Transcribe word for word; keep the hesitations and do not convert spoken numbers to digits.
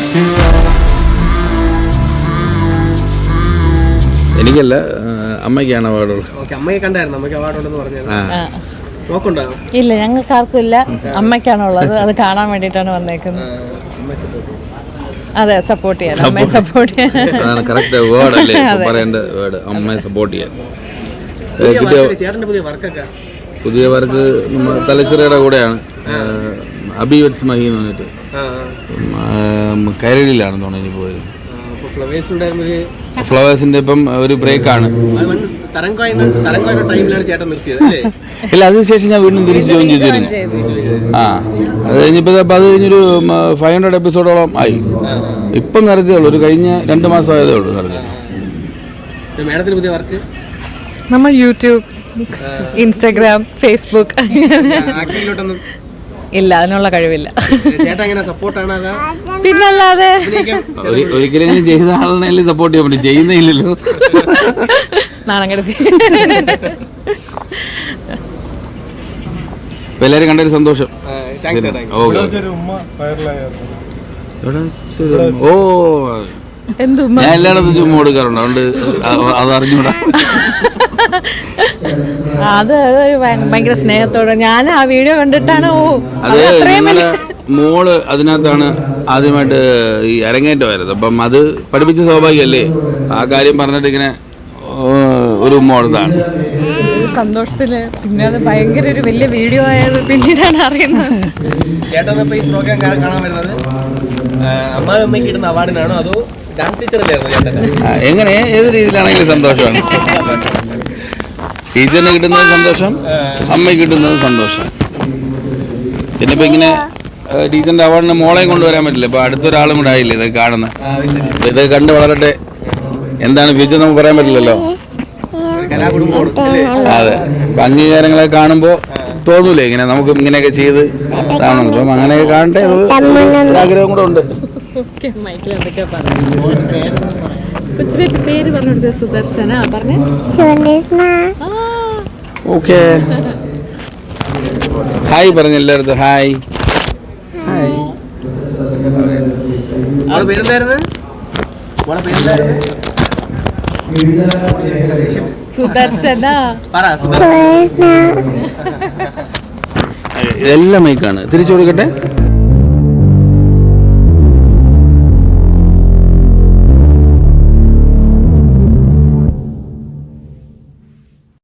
എനിക്കല്ല, അമ്മയ്ക്കാണ് അവാർഡുള്ളത്. അമ്മയെ കണ്ടായിരുന്നു, അമ്മയ്ക്ക് അവാർഡുണ്ടെന്ന് പറഞ്ഞു. നോക്കണ്ടോ? ഇല്ല, ഞങ്ങൾക്ക് ആർക്കും ഇല്ല, അമ്മയ്ക്കാണുള്ളത്. അത് കാണാൻ വേണ്ടിയിട്ടാണ് വന്നേക്കുന്നത്. അതെ, സപ്പോർട്ട് ചെയ്യാൻ, അമ്മയെ സപ്പോർട്ട് ചെയ്യാൻ. അതാണ് കറക്റ്റ് വേർഡ് അല്ലേ പറയേണ്ട വേർഡ്, അമ്മയെ സപ്പോർട്ട് ചെയ്യാൻ. പുതിയ വർക്ക് തലച്ചിറയുടെ കൂടെയാണ്, അബി വെറ്റ്സ് മഹി എന്ന് പറഞ്ഞിട്ട് കരളിലാണെന്ന് തോന്നുന്നു പോയത്. ഫ്ലവേഴ്സിന്റെ ഇപ്പം ഒരു ബ്രേക്കാണ്. ഇല്ല, അതിനുശേഷം ഞാൻ വീണ്ടും തിരിച്ച് ജോയിൻ ചെയ്തിരുന്നു. ആ, അത് കഴിഞ്ഞപ്പോൾ അത് കഴിഞ്ഞൊരു ഫൈവ് ഹൺഡ്രഡ് എപ്പിസോഡോളം ആയി. ഇപ്പം നിറഞ്ഞതേ ഉള്ളൂ, ഒരു കഴിഞ്ഞ രണ്ട് മാസം ആയതേ ഉള്ളൂ നിറഞ്ഞത്. നമ്മൾ യൂട്യൂബ്, ഇൻസ്റ്റാഗ്രാം, ഫേസ്ബുക്ക് ഇല്ല, അതിനുള്ള കഴിവില്ല. പിന്നല്ലാതെ ഒരിക്കലും ചെയ്ത ആളിനെ സപ്പോർട്ട് ചെയ്യാൻ പറ്റും, ചെയ്യുന്നില്ലല്ലോ. നാണം കെടുത്തി. എല്ലാവരും കണ്ടൊരു സന്തോഷം. ഓ, ഞാൻ എല്ലായിടത്തും ചുമ്മാ കൊടുക്കാറുണ്ട്, അതുകൊണ്ട് അത് അറിഞ്ഞൂടാ. അത് ഭയങ്കര സ്നേഹത്തോടെ ഞാൻ ആ വീഡിയോ കണ്ടിട്ടാണ്. ഓ, അത് ഞങ്ങളെ മോള് അതിനകത്താണ് ആദ്യമായിട്ട് ഈ അരങ്ങേറ്റമായിരുന്നു. അപ്പം അത് പഠിപ്പിച്ച സ്വാഭാവികമല്ലേ, ആ കാര്യം പറഞ്ഞിട്ട് ഇങ്ങനെ ഒരു മോളതാണ് സന്തോഷത്തില്. പിന്നെ അത് ഭയങ്കര ഒരു വലിയ വീഡിയോ ആയത് പിന്നീടാണ് അറിയുന്നത്. ചേട്ടൻ ഈ പ്രോഗ്രാം കാണാൻ വരുന്നത് അമ്മായി അമ്മയ്ക്ക് കിട്ടുന്ന അവാർഡിനാണോ അതോ ഡാൻസ് ടീച്ചറിലായിരുന്നു? എങ്ങനെ, ഏത് രീതിയിലാണെങ്കിലും സന്തോഷമാണ്. ടീച്ചറിന് കിട്ടുന്നത് സന്തോഷം, അമ്മയ്ക്ക് കിട്ടുന്നത് സന്തോഷം. പിന്നെ ഇപ്പം ഇങ്ങനെ ടീച്ചറിൻ്റെ അവാർഡിന് മോളെയും കൊണ്ടുവരാൻ പറ്റില്ല, ഇപ്പം അടുത്തൊരാളും കൂടെ ആയില്ലേ ഇതൊക്കെ കാണുന്നത്. അപ്പം ഇതൊക്കെ കണ്ട് വളരട്ടെ. എന്താണ് ഫ്യൂച്ചർ നമുക്ക് പറയാൻ പറ്റില്ലല്ലോ. അതെ, അപ്പം അംഗീകാരങ്ങളൊക്കെ കാണുമ്പോൾ തോന്നൂലേ ഇങ്ങനെ നമുക്ക് ഇങ്ങനെയൊക്കെ ചെയ്ത് കാണുന്നു. അപ്പം അങ്ങനെയൊക്കെ കാണട്ടെ, ആഗ്രഹം കൂടെ ഉണ്ട്. പേര് പറഞ്ഞു, സുദർശന പറഞ്ഞു. ഓക്കെ, ഹായ് പറഞ്ഞു എല്ലായിടത്തും. ഹായ് സുദർശന. ഇതെല്ലാം മൈക്കാണ്, തിരിച്ചു കൊടുക്കട്ടെ.